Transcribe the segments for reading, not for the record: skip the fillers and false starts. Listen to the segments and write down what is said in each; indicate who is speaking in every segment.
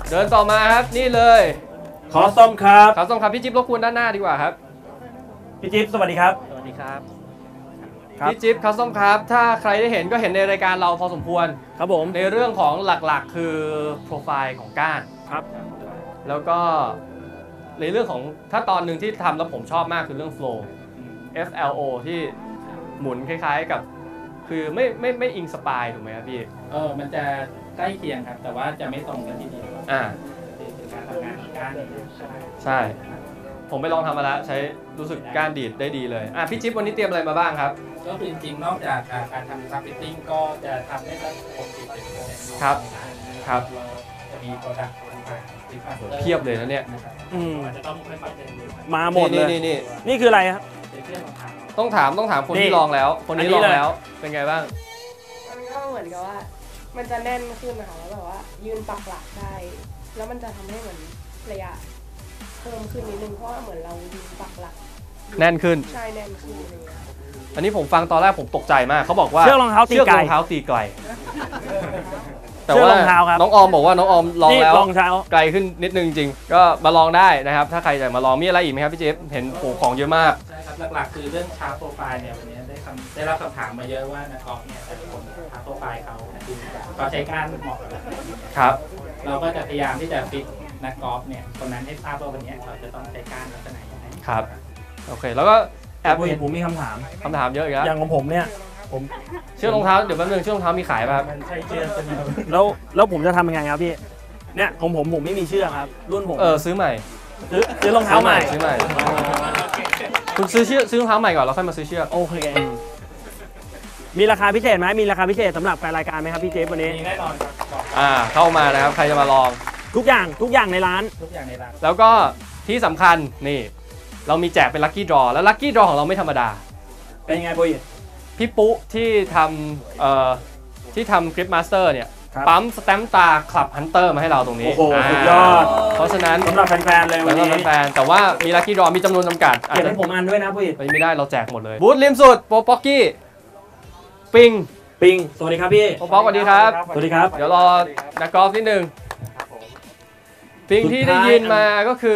Speaker 1: เดินต่อมาครับนี่เลย
Speaker 2: ขอส้มครับ
Speaker 1: ขอส้มครับพี่จิ๊บรบกวนด้านหน้าดีกว่าครับ
Speaker 2: พี่จิ๊บสวัสดีครับ
Speaker 1: สวัสดีครับพี่จิ๊บคัสตอมครับถ้าใครได้เห็นก็เห็นในรายการเราพอสมควร
Speaker 2: ครับผม
Speaker 1: ในเรื่องของหลักๆคือโปรไฟล์ของก้าน
Speaker 2: ครับ
Speaker 1: แล้วก็ในเรื่องของถ้าตอนหนึ่งที่ทำแล้วผมชอบมากคือเรื่อง flow FLO ที่หมุนคล้ายๆกับคือไม่อิงสปายถูกไหมครับพี่
Speaker 3: มันจะใกล้เคียงครับแต่ว่าจะไม่ตรงกันทีเดียวเป็นการทำงานของก้าน
Speaker 1: ใช่ผมไปลองทำมาแล้วใช้รู้สึกก้านดีดได้ดีเลยพี่จิ๊บวันนี้เตรียมอะไรมาบ้างครับ
Speaker 3: ก็จริงๆนอกจากการทำซับฟิตติ้งก็จะทำได้สัก60-70%
Speaker 1: ครับครับ
Speaker 3: จะมีโปรดักต์
Speaker 1: เพียบเลยนะเนี่ย
Speaker 3: จะต้องค่อย
Speaker 2: ๆมาหมดเลยนี่คืออะไรครับ
Speaker 1: ต้องถามคนที่ลองแล้วคนนี้ลองแล้วเป็นไงบ้าง
Speaker 4: มันก็เหมือนกับว่ามันจะแน่นขึ้นนะคะแล้วแบบว่ายืนปักหลักได้แล้วมันจะทำให้เหมือนระยะเพิ่มขึ้นนิดนึงเพราะว่าเหมือนเรายืนปักหลัก
Speaker 1: แน่นขึ้น
Speaker 4: ใช่แน่นขึ้นเลย
Speaker 1: อันนี้ผมฟังตอนแรกผมตกใจมากเขาบอกว่า
Speaker 2: เชือกรองเท้าตี
Speaker 1: ไกลแต่ว่าน้องออมบอกว่าน้องออมลองแล้วไกลขึ้นนิดนึงจริงก็มาลองได้นะครับถ้าใครอยากมาลองมีอะไรอีกไหมครับพี่เจฟเห็นโผล่ของเยอะมาก
Speaker 3: ใช่ครับหลักๆคือเรื่องชาร์ปโปรไฟล์เนี่ยวันนี้ได้รับคำถามมาเยอะว่านักกอล์ฟเนี่ยแต่ละคนชาร์ปโปรไฟล์เขาใช้การเหมาะกับ
Speaker 1: ครับ
Speaker 3: เราก็จะพยายามที่จะฟิตนักกอล์ฟเนี่ยคนนั้นให้ทราบว่าวันนี้เราจะต้องใช้การลักษณะยังไง
Speaker 1: ครับโอเคแล้วก็แอบ
Speaker 2: เห็นผมมีคำถาม
Speaker 1: เยอะอีกแล้ว
Speaker 2: อย่างของผมเนี่ยผม
Speaker 1: เชือกรองเท้าเดี๋ยวแป๊บนึงเชือกรองเท้ามีขายป่ะครับ
Speaker 3: ใช่เชือก
Speaker 2: แล้วผมจะทำยังไงครับพี่เนี่ยของผมไม่มีเชือกครับรุ่นผม
Speaker 1: ซื้อใหม่
Speaker 2: ซื้อรองเท้าใหม่
Speaker 1: คุณซื้อรองเท้าใหม่ก่อนแล้วค่อยมาซื้อเชือก
Speaker 2: โอเคมีราคาพิเศษไหมมีราคาพิเศษสำหรับแฟนรายการไหมครับพี่เจฟวันนี้
Speaker 3: มีแน่นอนครับ
Speaker 1: เข้ามานะครับใครจะมาลอง
Speaker 2: ทุกอย่างในร้าน
Speaker 1: แล้วก็ที่สำคัญนี่เรามีแจกเป็นลัคกี้ดรอแล้วลัคกี้ดรอของเราไม่ธรรมดา
Speaker 2: เป็นไงปุ้ย
Speaker 1: พี่ปุ๊ที่ทำคลิปมาสเตอร์เนี่ยปั๊มสแตมป์ตาคลับฮันเตอร์มาให้เราตรงนี้
Speaker 2: โอ้โหสุดยอด
Speaker 1: เพราะฉะนั้น
Speaker 2: สำหรับแฟนๆเลยวันนี้
Speaker 1: แฟนแต่ว่ามีลัคกี้ดรอมีจำนวนจำกัด
Speaker 2: เก็บให้ผมอันด้วยนะปุ้ย
Speaker 1: ไม่ได้เราแจกหมดเลยบูธริมสุดโปป๊อกกี้ปิง
Speaker 2: สวัสดีครับพี่
Speaker 1: โปป๊อกสวัสดีครับ
Speaker 2: สวัสดีครับ
Speaker 1: เดี๋ยวรอนักกอล์ฟนิดนึงปิงที่ได้ยินมาก็คือ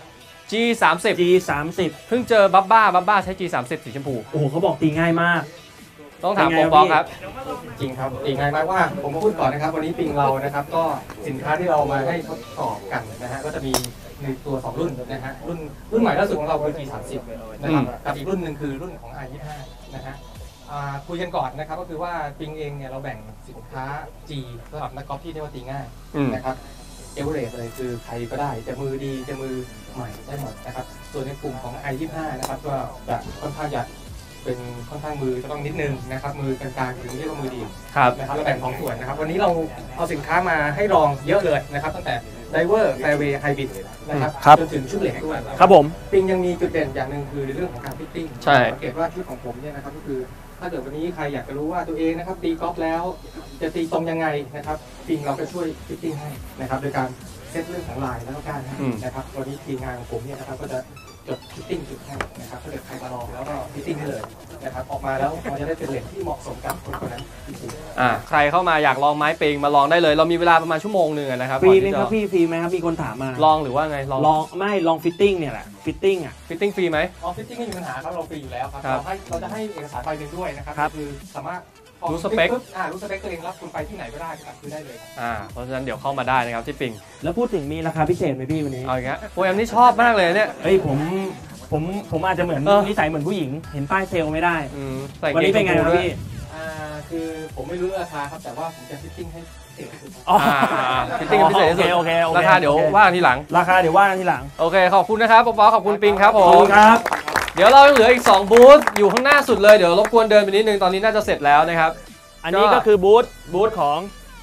Speaker 1: G30 เพิ่งเจอบับบ้าใช้ G30 สีชมพู
Speaker 2: โอ้โหเขาบอกตีง่ายมาก
Speaker 1: ต้องถามโปป๊อกครับ
Speaker 5: จริงครับตีง่ายมากว่าผมมาพูดก่อนนะครับวันนี้ปิงเรานะครับก็สินค้าที่เรามาให้ทดสอบกันนะฮะก็จะมีในตัว2รุ่นนะฮะรุ่นใหม่ล่าสุดของเราคือ G30 นะครับกับอีกรุ่นหนึ่งคือรุ่นของ R25 นะฮะคุยกันก่อนนะครับก็คือว่าปิงเองเนี่ยเราแบ่งสินค้า G สำหรับนักกอล์ฟที่เรียกว่าตีง่ายนะครับเอเวอเรสต์เลยคือใครก็ได้จะมือดีจะมือใหม่ได้หมดนะครับส่วนในกลุ่มของ I25 นะครับก็จะค่อนข้างจะเป็นค่อนข้างมือจะต้องนิดนึงนะครับมือกลางๆถึงเรียกว่ามือดีนะครับเราแบ่งของส่วนนะครับวันนี้เราเอาสินค้ามาให้ลองเยอะเลยนะครับตั้งแต่ไดเวอร์แฟร์เวย์ไฮบริดนะครับจนถึงชุดเหล็กด้วย
Speaker 2: ครับผม
Speaker 5: ปิงยังมีจุดเด่นอย่างหนึ่งคือในเรื่องของการฟิตติ้งสังเกตว่าชุดของผมเนี่ยนะครับก็คือถ้าเกิดวันนี้ใครอยากจะรู้ว่าตัวเองนะครับตีกอล์ฟแล้วจะตีตรงยังไงนะครับปิงเราก็ช่วยฟิตติ้งให้นะครับโดยการเซตเรื่องของลายแล้วก็การนะครับวันนี้ทีมงานของผมเนี่ยนะครับก็จะจดฟิตติ้งจุดให้นะครับถ้าเกิดใครมาลองแล้วก็ฟิตติ้งได้เลยนะครับออกมาแล้วมันจะได้เป็นเหล็กที่เหมาะสมกับคนนั้นจริง
Speaker 1: ๆใครเข้ามาอยากลองไม้ปิงมาลองได้เลยเรามีเวลาประมาณชั่วโมงนึงนะครับ
Speaker 2: ฟรีไหมครับพี่ฟรีไหมครับมีคนถามมา
Speaker 1: ลองหรือว่าไง
Speaker 2: ลองฟิตติ้งเนี่ยแหละฟิตติ้ง
Speaker 1: ฟรีไหม
Speaker 5: ฟิตติ้งไม่มีปัญหาครับเราฟรีอยู่แล้วครับเราจะให้เอกสารใบหนึ่งด้วยนะครับคือสามารถ
Speaker 1: รู้สเปค
Speaker 5: ตัวเองแล้วคุณไปที่ไหนก็ได้ครับคือได้เลย
Speaker 1: เพราะฉะนั้นเดี๋ยวเข้ามาได้นะครับที่ปิง
Speaker 2: แล้วพูดถึงมีราคาพิเศษไหมพี่วันนี้
Speaker 1: เอาอย่างเงี้ยโปรแอมนี่ชอบมากเลยเนี่ย
Speaker 2: ผมอาจจะเหมือนนิสัยเหมือนผู้หญิงเห็นป้ายเซลไม่ได้วันนี้เป็นไงครับพี่
Speaker 5: คือผมไม่รู้ราคาครับแต่ว่าผมจะฟิตติ้งให้พิเศษที่สุด
Speaker 1: ฟิตติ้งพิเศษที่สุดราคาเดี๋ยวว่ากันทีหลังโอเคขอบคุณนะครับป๊อขอบคุณปิงครับผม
Speaker 2: ครับ
Speaker 1: เดี๋ยวเราเหลืออีก2บูธอยู่ข้างหน้าสุดเลยเดี๋ยวรบกวนเดินไปนิดนึงตอนนี้น่าจะเสร็จแล้วนะครับ
Speaker 2: อันนี้ก็คือบูธของ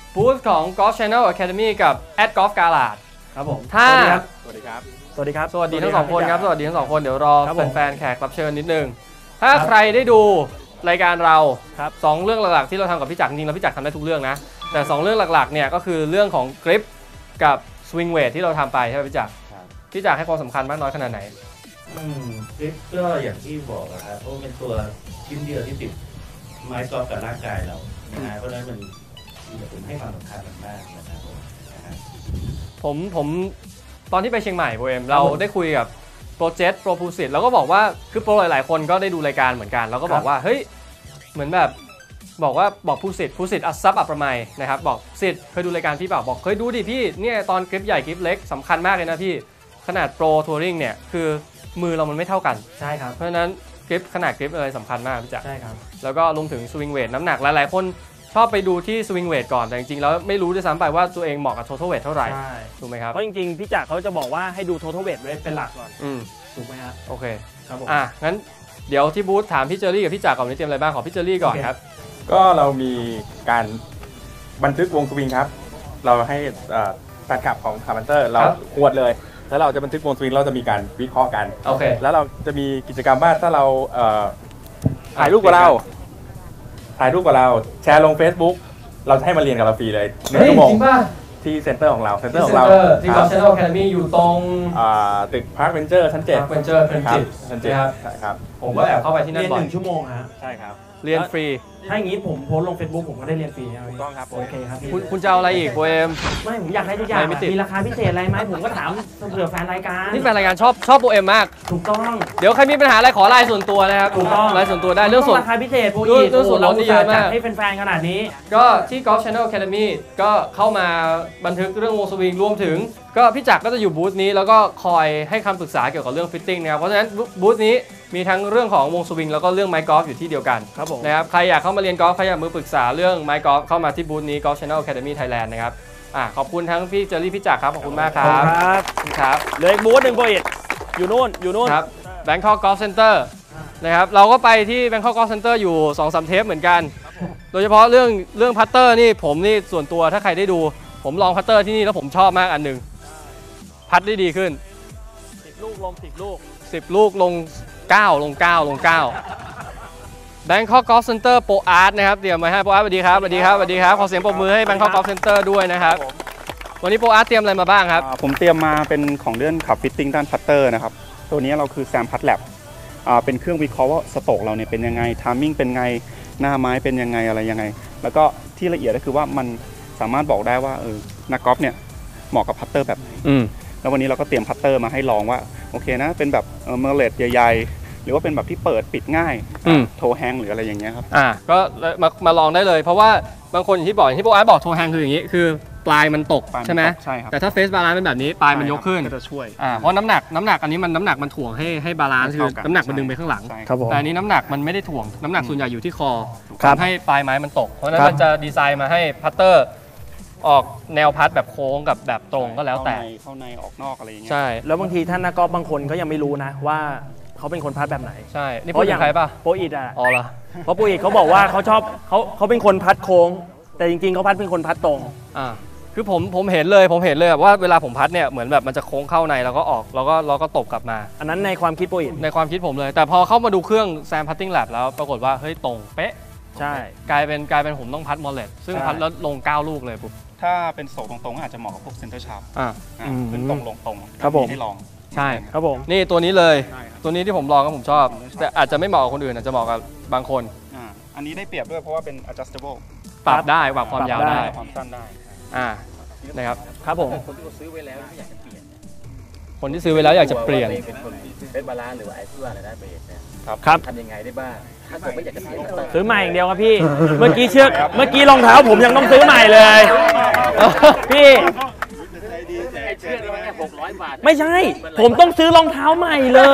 Speaker 1: Golf Channel Academy กับ @Golf Garage
Speaker 2: ครับผม
Speaker 1: สวัสดีครับ
Speaker 2: สวัสดีครับ
Speaker 1: สวัสดีทั้ง2คนครับสวัสดีทั้ง2คนเดี๋ยวรอแฟนๆแขกรับเชิญนิดนึงถ้าใครได้ดูรายการเรา2เรื่องหลักๆที่เราทำกับพี่จักรจริงๆแล้วพี่จักรทำได้ทุกเรื่องนะแต่2เรื่องหลักๆเนี่ยก็คือเรื่องของกริปกับสวิงเวทที่เราทำไปใช่ไหมพี่จักรให้ความสำคัญมากน้อยขนาดไหน
Speaker 6: กริปก็อย่างที่บอกนะครับเพราะเป็นตัวชิ้นเดียวที่ติดไม้กอล์ฟกับร่างกายเรานะฮะเพราะฉะนั้นมันผมให้ความสำคัญมากนะครับ
Speaker 1: ผมตอนที่ไปเชียงใหม่โปรเอมเราได้คุยกับโปรเจกต์โปรพูสิตแล้วก็บอกว่าคือโปรหลายๆคนก็ได้ดูรายการเหมือนกันแล้วก็บอกว่าเฮ้ยเหมือนแบบบอกพูสิตอัศซับอัปประไมยนะครับบอกสิทธิ์เคยดูรายการพี่เปล่าบอกเคยดูดิพี่เนี่ยตอนคลิปใหญ่คลิปเล็กสำคัญมากเลยนะพี่ขนาดโปรทัวริงเนี่ยคือมือเรามันไม่เท่ากัน
Speaker 2: ใช่ครับ
Speaker 1: เพราะฉะนั้นคลิปขนาดคลิปอะไรสำคัญมากพี่จ๋า
Speaker 2: ใช่ครับ
Speaker 1: แล้วก็รวมถึงสวิงเวทน้ำหนักหลายๆคนชอบไปดูที่สวิงเวทก่อนแต่จริงๆแล้วไม่รู้ด้วยซ้ำไปว่าตัวเองเหมาะกับ total weight เท่าไหร่ถูกไหมครับ
Speaker 2: เพราะจริงๆพี่จักรเขาจะบอกว่าให้ดู total weight ไว้เป็นหลักก่อนถูกไหมครับ
Speaker 1: โอเค
Speaker 2: ครับผม
Speaker 1: งั้นเดี๋ยวที่บูธถามพี่เจอรี่กับพี่จักรก่อนนี้เตรียมอะไรบ้างขอพี่เจอรี่ก่อนครับ
Speaker 7: ก็เรามีการบันทึกวงสวิงครับเราให้แฟนคลับของคาร์บันเตอร์เราหวดเลยแล้วเราจะบันทึกวงสวิงเราจะมีการวิเคราะห์กัน
Speaker 1: โอเค
Speaker 7: แล้วเราจะมีกิจกรรมว่าถ้าเราถ่ายรูปกับเราแชร์ลง Facebook เราจะให้มาเรียนกับเราฟรีเลย1 ชั่วโมงที่เซ็นเตอร์ของเราที่
Speaker 1: กอล์ฟ Channel Academy อยู่ตรง
Speaker 7: ตึกพาร์คเวนเจอร์ชั้น7
Speaker 1: Park Venture
Speaker 7: ชั้น7
Speaker 1: ครับผมก็แอบเข้าไปที่นั่นบ่อย
Speaker 2: 1 ชั่วโมงฮะ
Speaker 7: ใช่ครับ
Speaker 1: เรียนฟรี
Speaker 2: ถ้าอย่างนี้ผมโพสลง Facebook ผมก็ได้เรียนฟรีถู
Speaker 7: กต้องครับ
Speaker 2: โอเคครับ
Speaker 1: คุณจะเอาอะไรอีกโปเอม
Speaker 2: ไม่ผมอยากให้ทุกอย่างมีราคาพิเศษอะไรไหมผมก็ถามเผื่อแฟนรายการ
Speaker 1: นี่แฟนรายการชอบโปเอมมาก
Speaker 2: ถูกต้อง
Speaker 1: เดี๋ยวใครมีปัญหาอะไรขอไลน์ส่วนตัวนะครับ
Speaker 2: ถูกต้อง
Speaker 1: ไลน์ส่วนตัวได้เรื่องส่วน
Speaker 2: ราคาพิเศษโปรอีก
Speaker 1: เรื่องส่วนลดนี่เยอะมาก
Speaker 2: ให้แฟนๆขนาดนี้
Speaker 1: ก็ที่ Golf Channel Academy ก็เข้ามาบันทึกเรื่องวงสวิงรวมถึงก็พี่จักรก็จะอยู่บูธนี้แล้วก็คอยให้คำปรึกษาเกี่ยวกับเรื่องฟิตติ้งนะครับเพราะฉะนั้นบูธนี้มีทั้งเรื่องของวงสวิงแล้วก็เรื่องไม้กอล์ฟอยู่ที่เดียวกันนะครับใครอยากเข้ามาเรียนกอล์ฟใครอยากมือปรึกษาเรื่องไม้กอล์ฟเข้ามาที่บูธนี้ Golf Channel Academy Thailand นะครับขอบคุณทั้งพี่เจอรี่พี่จักรครับขอบคุณมากครับครับ
Speaker 2: เหลืออีกบูธหนึ่งโปรอีกอยู่นู่น
Speaker 1: ครับ Bangkok Golf Center นะครับเราก็ไปที่ Bangkok Golf Center อยู่ 2-3 เทปเหมือนกันโดยเฉพาะเรื่องพัตเตอร์นี่ผมนี่ส่วนตัวถ้าใครได้ดูผมลองพัตเตอร์ที่นี่แล้วผมชอบมากอันหนึ่งพัดได้ดีขึ้น
Speaker 2: 10 ลูกลง10 ลูก
Speaker 1: 10 ลูกลง9ลงBangkok Golf Center Pro Art นะครับเตรียมมาให้Pro Artสวัสดีครับขอเสียงปรบมือให้ Bangkok Golf Center ด้วยนะครับวันนี้Pro Artเตรียมอะไรมาบ้างครับ
Speaker 7: ผมเตรียมมาเป็นของเรื่องขับฟิตติ้งด้านพัตเตอร์นะครับตัวนี้เราคือแซมพัตแลบเป็นเครื่องวิเคราะห์ว่าสโตรกเราเนี่ยเป็นยังไงไทมิ่งเป็นไงหน้าไม้เป็นยังไงอะไรยังไงแล้วก็ที่ละเอียดก็คือว่ามันสามารถบอกได้ว่านักกอล์ฟเนี่ยเหมาะกับพัตเตอร์แบบไหนแล้ววันนี้เราก็เตรียมพัตเตอร์มาให้ลองว่าโอเคนะเป็นแบบเมอร์เลตใหญ่ๆหรือว่าเป็นแบบที่เปิดปิดง่ายโทแฮงหรืออะไรอย่างเงี้ยครับ
Speaker 1: ก็มาลองได้เลยเพราะว่าบางคนอย่างที่โปรอาร์ตบอกโทแฮงคืออย่างนี้คือปลายมันตกใช่ไหม
Speaker 7: ใช่ครับ
Speaker 1: แต่ถ้าเฟสบาลานซ์เป็นแบบนี้ปลายมันยกขึ้น
Speaker 7: ก็จะช่วย
Speaker 1: เพราะน้ำหนักอันนี้มันน้ำหนักมันถ่วงให้บาลานซ์คือน้ำหนักมันดึงไปข้างหลังแต่อันนี้น้ำหนักมันไม่ได้ถ่วงน้ำหนักส่วนใหญ่อยู่ที่คอทำให้ปลายไม้มันตกเพราะฉะนั้นมันจะดีไซน์มาให้พัตเตอร์ออกแนวพัดแบบโค้งกับแบบตรงก็แล้วแต่
Speaker 7: เข้าในออกนอกอะไรอย่างเงี้
Speaker 1: ยใช่
Speaker 2: แล้วบางทีท่านนักกอล์ฟบางคนเขายังไม่รู้นะว่าเขาเป็นคนพัดแบบไหน
Speaker 1: ใช่นี่พูดอย่างใครป่ะ
Speaker 2: โปรอิด
Speaker 1: อ๋อเหรอ
Speaker 2: เพราะโปรอิดเขาบอกว่าเขาชอบเขาเป็นคนพัดโค้งแต่จริงๆเขาพัดเป็นคนพัดตรง
Speaker 1: คือผมเห็นเลยว่าเวลาผมพัดเนี่ยเหมือนแบบมันจะโค้งเข้าในแล้วก็ออกแล้วก็ตบกลับมา
Speaker 2: อันนั้นในความคิดโปรอิด
Speaker 1: ในความคิดผมเลยแต่พอเข้ามาดูเครื่องแซมพัตติ้งแลบแล้วปรากฏว่าเฮ้ยตรงเป๊ะ
Speaker 2: ใช่
Speaker 1: กลายเป็นผมต้องพัดมอลเลตซึ่งพัดแล้วลง9 ลูกเลยปุ๊บ
Speaker 7: ถ้าเป็นโศกตรงๆอาจจะเหมาะกับพวกเซ็นเตอร์ชาร์ปขึ้นตรงลงตรง
Speaker 2: ครับผม
Speaker 7: ให้ลอง
Speaker 1: ใช่
Speaker 2: ครับผม
Speaker 1: นี่ตัวนี้เลยตัวนี้ที่ผมลองก็ผมชอบแต่อาจจะไม่เหมาะกับคนอื่นอาจจะเหมาะกับบางคน
Speaker 7: อันนี้ได้เปรียบด้วยเพราะว่าเป็น adjustable
Speaker 1: ปรับได้ปรับความยาวได้
Speaker 7: ความสั้นได้
Speaker 1: นะครับ
Speaker 2: ครับผม
Speaker 3: คนที่ซื้อไว้แล้วอยากจะเปลี่ยน
Speaker 1: คนที่ซื้อไว้แล้วอยากจะเปลี่ยน
Speaker 3: เป็นบาลานซ์หรือว่าไอ้เพื่ออะไรได้เบสเนี่ย
Speaker 1: ครับ
Speaker 3: ทำยังไงได้บ้างถ้าเกิดไม่อยากจะเปลี่ยน
Speaker 2: ซื้อใหม่อย่างเดียวครับพี่เมื่อกี้รองเท้าผมยังต้องซื้อใหม่เลยพี่
Speaker 3: 600 บาท
Speaker 2: ไม่ใช่ผมต้องซื้อรองเท้าใหม่เลย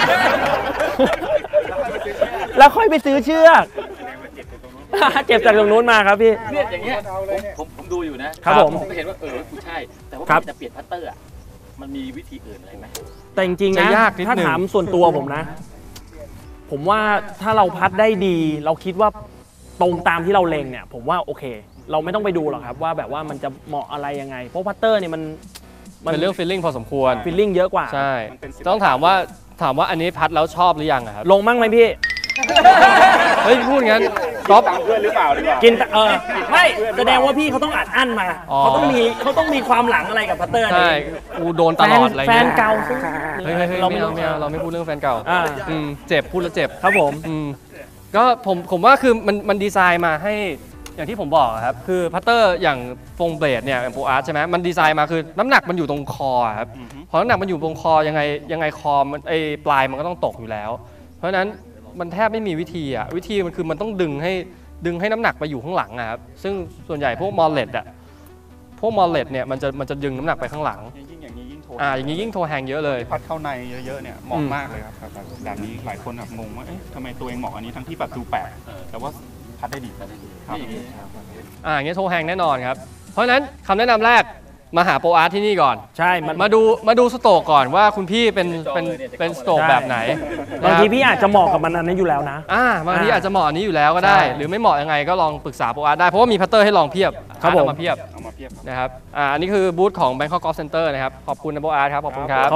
Speaker 2: แล้วค่อยไปซื้อเชือกเจ็บจากตรงนู้นมาครับพี่
Speaker 3: เนี่ยอย่างเงี้ยผมดูอยู่นะครับผมเห็นว่ากูใช่แต่ว่าจะเปลี่ยนพัตเตอร์มันมีวิธีอื่นอะไรไหม
Speaker 2: แต่จริงๆนะถ้าถามส่วนตัวผมนะผมว่าถ้าเราพัดได้ดีเราคิดว่าตรงตามที่เราเล็งเนี่ยผมว่าโอเคเราไม่ต้องไปดูหรอกครับว่าแบบว่ามันจะเหมาะอะไรยังไงเพราะพัตเตอร์เนี่ยมัน
Speaker 1: เป็นเรื่องฟีลลิ่งพอสมควร
Speaker 2: ฟีลลิ่งเยอะกว่า
Speaker 1: ใช่ต้องถามว่าอันนี้พัดแล้วชอบหรือยังครับ
Speaker 2: ลงมั่งไหมพี่
Speaker 1: เฮ้ยพูดงั้นก๊อฟ
Speaker 7: เพื่อนหรือเปล่าดีกว่า
Speaker 2: กินไม่แสดงว่าพี่เขาต้องอัดมาเขาต้องมีความหลังอะไรกับพัตเตอร์
Speaker 1: ใช่กูโดนตลอดอะไร
Speaker 2: แฟนเก่า
Speaker 1: เฮ้ยเราไม่พูดเรื่องแฟนเก่าเจ็บพูดแล้วเจ็บ
Speaker 2: ครับผม
Speaker 1: ก็ผมว่าคือมันดีไซน์มาให้อย่างที่ผมบอกครับคือพัตเตอร์อย่างฟงเบลดเนี่ยอย่างโปรอาร์ตใช่ไหมมันดีไซน์มาคือน้ำหนักมันอยู่ตรงคอครับพอน้ำหนักมันอยู่ตรงคอยังไงคอมันปลายมันก็ต้องตกอยู่แล้ว เพราะฉะนั้นมันแทบไม่มีวิธีมันคือมันต้องดึงให้น้ำหนักไปอยู่ข้างหลังครับซึ่งส่วนใหญ่พวกมอลเลตเนี่ยมันจะดึงน้ำหนักไปข้างหลังอย่างนี้ยิ่งโทแฮงเยอะเลย
Speaker 7: พัดเข้าในเยอะๆเนี่ยเหมาะมากเลยครับแบบนี้หลายคนแบบงงว่าทำไมตัวเองเหมาะอันนี้ทั้งที่แบบดูแปลกแต่ว่าพัดได้ดีครับ
Speaker 1: อย่างเงี้ยโทแฮงแน่นอนครับเพราะฉะนั้นคำแนะนำแรกมาหาโปรอาร์ตที่นี่ก่อน
Speaker 2: ใช่
Speaker 1: มาดูสโตกก่อนว่าคุณพี่เป็นสโตกแบบไหน
Speaker 2: บางทีพี่อาจจะเหมาะกับมันอันนี้อยู่แล้วนะ
Speaker 1: บางทีอาจจะเหมาะอันนี้อยู่แล้วก็ได้หรือไม่เหมาะยังไงก็ลองปรึกษาโปรอาร์ตได้เพราะว่ามีพัตเตอร์ให้ลองเพียบเอามาเพียบนะครับอันนี้คือบูธของ Bangkok Golf Center นะครับขอบคุณนะโปรอาร์ตครับขอบคุณครับ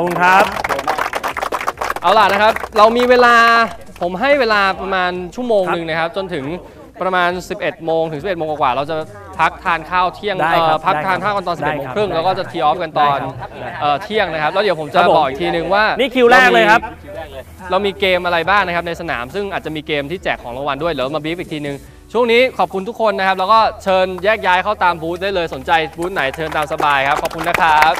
Speaker 1: เอาล่ะนะครับเรามีเวลาผมให้เวลาประมาณชั่วโมงนึงนะครับจนถึงประมาณ 11 โมงถึง 11 โมงกว่าเราจะพักทานข้าวเที่ยงพักทานข้าวกันตอน 11 โมงครึ่งแล้วก็จะทีออฟกันตอนเที่ยงนะครับแล้วเดี๋ยวผมจะบอกอีกทีนึงว่า
Speaker 2: นี่คิวแรกเลยครับ
Speaker 1: เรามีเกมอะไรบ้างนะครับในสนามซึ่งอาจจะมีเกมที่แจกของรางวัลด้วยเดี๋ยวมาบีฟอีกทีนึงช่วงนี้ขอบคุณทุกคนนะครับแล้วก็เชิญแยกย้ายเข้าตามบูธได้เลยสนใจบูธไหนเชิญตามสบายครับขอบคุณนะครับ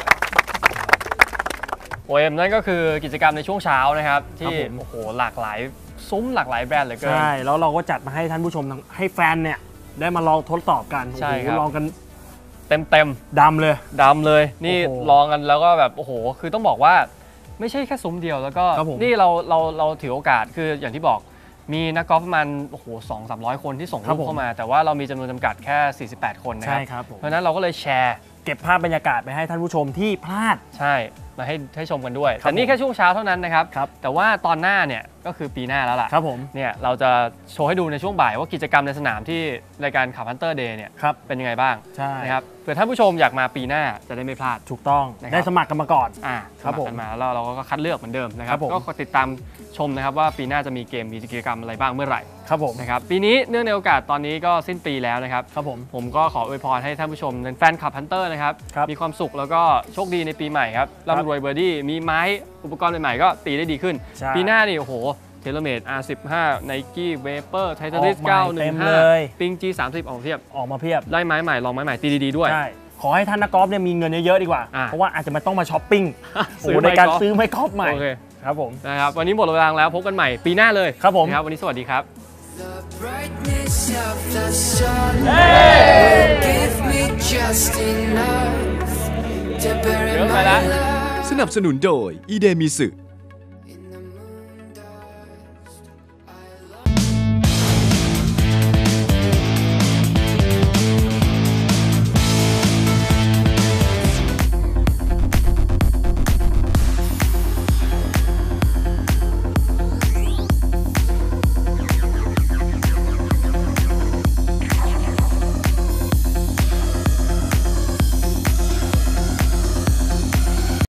Speaker 1: OM นั่นก็คือกิจกรรมในช่วงเช้านะครับที่โอ้โหหลากหลายซุ้มหลากหลายแบรนด์เหลือเกิน
Speaker 2: ใช่แล้วเราก็จัดมาให้ท่านผู้ชมให้แฟนเนี่ยได้มาลองทดสอบกัน
Speaker 1: ใช่ครับ
Speaker 2: ลองกัน
Speaker 1: เต็ม
Speaker 2: ดำ
Speaker 1: เลยนี่ลองกันแล้วก็แบบโอ้โหคือต้องบอกว่าไม่ใช่แค่ซุ้มเดียวแล้วก็นี่เราถือโอกาสคืออย่างที่บอกมีนักกอล์ฟประมาณโอ้โห200-300 คนที่ส่งรูปเข้ามาแต่ว่าเรามีจำนวนจำกัดแค่48 คนนะครับเพราะฉะนั้นเราก็เลยแชร์
Speaker 2: เก็บภาพบรรยากาศไปให้ท่านผู้ชมที่พลาด
Speaker 1: ใช่มาให้ชมกันด้วยแต่นี่แค่ช่วงเช้าเท่านั้นนะครับแต่ว่าตอนหน้าเนี่ยก็คือปีหน้าแล้วล่ะ
Speaker 2: ครับผม
Speaker 1: เนี่ยเราจะโชว์ให้ดูในช่วงบ่ายว่ากิจกรรมในสนามที่รายการขับฮันเตอร์เดย์เนี่ยเป็นยังไงบ้างนะครับเผื่อท่านผู้ชมอยากมาปีหน้าจะได้ไม่พลาด
Speaker 2: ถูกต้องได้สมัครกันมาก่อน
Speaker 1: ครับผมมาแล้วเราก็คัดเลือกเหมือนเดิมนะครับก็ติดตามชมนะครับว่าปีหน้าจะมีเกมมีกิจกรรมอะไรบ้างเมื่อไหร่
Speaker 2: ครับผม
Speaker 1: นะครับปีนี้เนื่องในโอกาสตอนนี้ก็สิ้นปีแล้วนะครับ
Speaker 2: ครับ
Speaker 1: ผมก็ขออวยพรให้ท่านผู้ชมเป็นแฟนคลับฮันเตอร์นะครับมีความสุขแล้วก็โชคดีในปีใหม่ครับร่ำรวยเบอร์ดี้มีไม้อุปกรณ์ใหม่ๆก็ตีได้ดีขึ้นปีหน้านี่โอ้โหเทเลเมด R15 Nike Vapor Titleist 915 Ping G30 ออกมาเพียบได้ไม้ใหม่ลองไม้ใหม่ตีดีๆด้วย
Speaker 2: ขอให้ท่านนักกอล์ฟเนี่ยมีเงินเยอะๆดีกว่าเพราะว่าอาจจะไม่ต้องมาช้อปปิ้งในการซื้อไม้กอล์ฟใหม่ครับผม
Speaker 1: นะครับวันนี้หมดเวลาแล้วพบกันใหม่ปีหน้าเลย
Speaker 2: ครับผม
Speaker 1: ครับวันนี้สวัสดีครับ
Speaker 8: สนับสนุนโดยอีเดมิสึ